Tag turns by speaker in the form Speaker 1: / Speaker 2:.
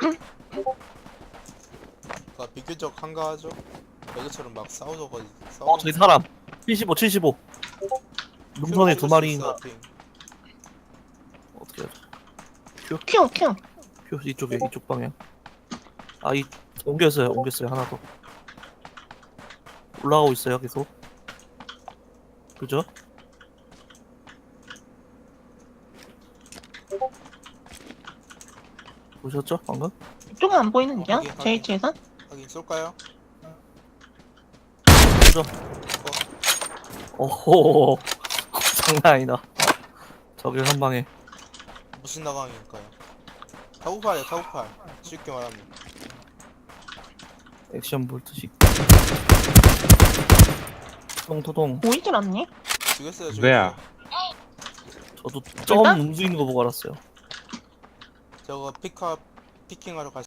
Speaker 1: 그러니까 비교적 한가하죠. 여기처럼 막 싸우저가지고
Speaker 2: 저기 사람 75 75 능선에 두 마리인가. 어떻게 하죠?
Speaker 3: 큐.
Speaker 2: 표 이쪽에 이쪽 방향. 이 옮겼어요 하나 더 올라가고 있어요 계속. 그죠? 보셨죠 방금?
Speaker 3: 이쪽은 안 보이는데요?
Speaker 1: 확인,
Speaker 3: 제
Speaker 1: 확인.
Speaker 3: 위치에선?
Speaker 1: 하긴 쏠까요?
Speaker 2: 그죠? 오호 장난 아니다. 저길 한 방에.
Speaker 1: 무슨 나강일까요? 타구팔이야 타구팔. 쉽게 말하면
Speaker 2: 액션 볼트식. 토동.
Speaker 3: 보이질 않니?
Speaker 1: 죽였어요
Speaker 4: 왜야?
Speaker 2: 저도 점 움직이는 거 보고 알았어요.
Speaker 1: 저거 피킹하러 갈